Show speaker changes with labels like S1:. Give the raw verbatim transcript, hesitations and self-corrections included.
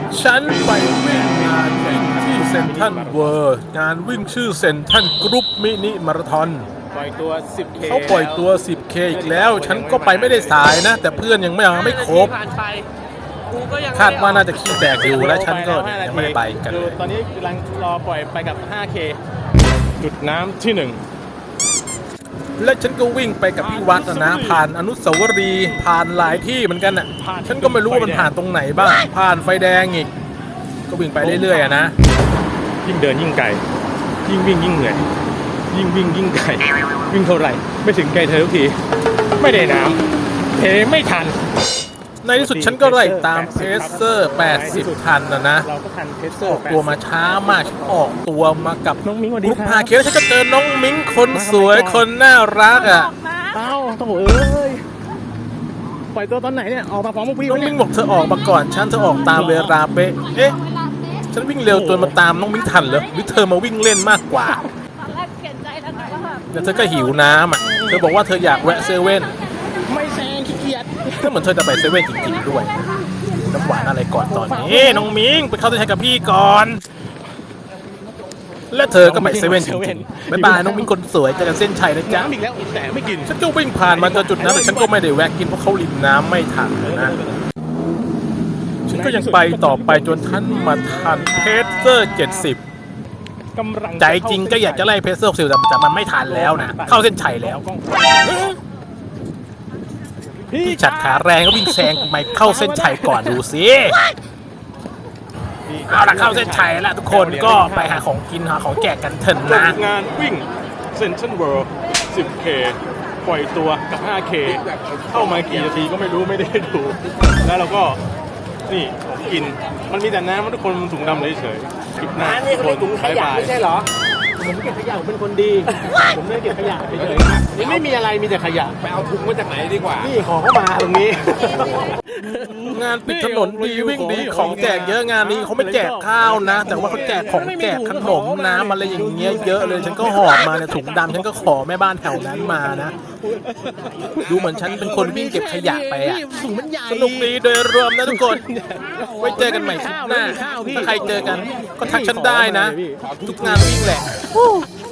S1: ฉันไปวิ่งงานวิ่งที่เซ็นทรัลเวิลด์งานวิ่งชื่อเซ็นทรัลกรุ๊ปมินิมาราธอน
S2: ปล่อยตัว สิบเค
S1: เขาปล่อยตัว สิบเค อีกแล้ว ฉันก็ไปไม่ได้สายนะ แต่เพื่อนยังไม่ยังไม่ครบคาดว่าน่าจะขี้แตกอยู่และฉันก็ยังไม่ได้ไปกันเลย
S2: ตอนนี้กำลังรอปล่อยไปกับ ห้าเค จุดน้ำที่หนึ่ง
S1: และฉันก็วิ่งไปกับพี่วัดนะผ่านอนุสาวรีย์ผ่านหลายที่เหมือนกันน่ะฉันก็ไม่รู้ว่ามันผ่านตรงไหนบ้างผ่านไฟแดงอีกก็วิ่งไปเรื่อยๆอะนะ
S2: ยิ่งเดินยิ่งไกลยิ่งวิ่งยิ่งเหนื่อยยิ่งวิ่งยิ่งไกลวิ่งเท่าไหร่ไม่ถึงไกลเธอทุกทีไม่ได้น้ำเทไม่ทัน
S1: ในที่สุดฉันก็ไล่ตามเพเซอร์แปดสิบทันนะนะ
S2: เราก็ทันเพเซอร์
S1: ออกตัวมาช้ามากฉันออกตัวมากับ
S2: น้องมิ้งสวัสดี
S1: กรุ๊ป
S2: ครับ
S1: พาเคแล้วฉันก็เจอน้องมิ้งคนสวยคนน่ารักอ่ะ
S2: เอ้าโถ่เอ้ยปล่อยตัวตอนไหนเนี่ยออกมาพร้อมพวกพี่
S1: น้องมิ้งบอกเธอออกมาก่อนฉันเธอออกตามเวลาเป๊ะเอ๊ะฉันวิ่งเร็วจนมาตามน้องมิ้งทันเหรอหรือเธอมาวิ่งเล่นมากกว่า
S3: ตอนแรกเปลี่ยนใจแล้วนะว่าแบบ
S1: แล้วเธอก็หิวน้ำอ่ะเธอบอกว่าเธออยากแวะเซเว่น
S2: ไม่แซงขี้เกียจ
S1: ก็เหมือนเธอจะไปเซเว่นจริงๆด้วยน้ำหวานอะไรก่อนตอนนี้น้องมิ้งไปเข้าเส้นชัยกับพี่ก่อนและเธอก็ไปเซเว่นจริงๆบ๊ายบายน้องมิ้งคนสวยเจอกันเส้นชัยนะจ๊ะ
S2: น้ำอีกแล้วแต่ไม่กิน
S1: ฉันก็วิ่งผ่านมาจนจุดนั้นแต่ฉันก็ไม่ได้แวะกินเพราะเขาริมน้ำไม่ทันนะฉันก็ยังไปต่อไปจนท่านมาทันเพเซอร์เจ็ดสิบใจจริงก็อยากจะไล่เพเซอร์หกสิบแต่มันไม่ทันแล้วนะเข้าเส้นชัยแล้วพี่ฉัดขาแรงก็วิ่งแซงไปเข้าเส้นชัยก่อนดูสิเอาละเข้าเส้นชัยแล้วทุกคนก็ไปหาของกินหาของแจกกันเถอะนะ
S2: งานวิ่งเซ็นทรัลเวิลด์ สิบเค ปล่อยตัวกับ ห้าเค เข้ามากี่นาทีก็ไม่รู้ไม่ได้ดูแล้วเราก็นี่กินมันมีแต่น้ำมันทุกคนถุงดำเฉยๆกินน้ำนี่เขาเรียกถุงขยะไม่ใช่เหรอผมเก็บขยะผมเป็นคนดีผมไม่ได้เก็บขยะเฉยๆนี่ไม่มีอะไรมีแต่ขยะ
S4: ไปเอาถุงมาจากไหนดีกว่า
S2: นี่ขอเข้ามาตรงนี้
S1: งานปิดถนนดีวิ่งดีของแจกเยอะงานนี้เขาไม่แจกข้าวนะแต่ว่าเขาแจกของแจกขนมน้ำอะไรอย่างเงี้ยเยอะเลยฉันก็หอบมาเนี่ยถุงดำฉันก็ขอแม่บ้านแถวนั้นมานะดูเหมือนฉันเป็นคนวิ่งเก็บขยะไปอ่ะสนุกดีโดยรวมนะทุกคนไว้เจอกันใหม่คลิปหน้าถ้าใครเจอกันก็ทักฉันได้นะทุกงานวิ่งแหละ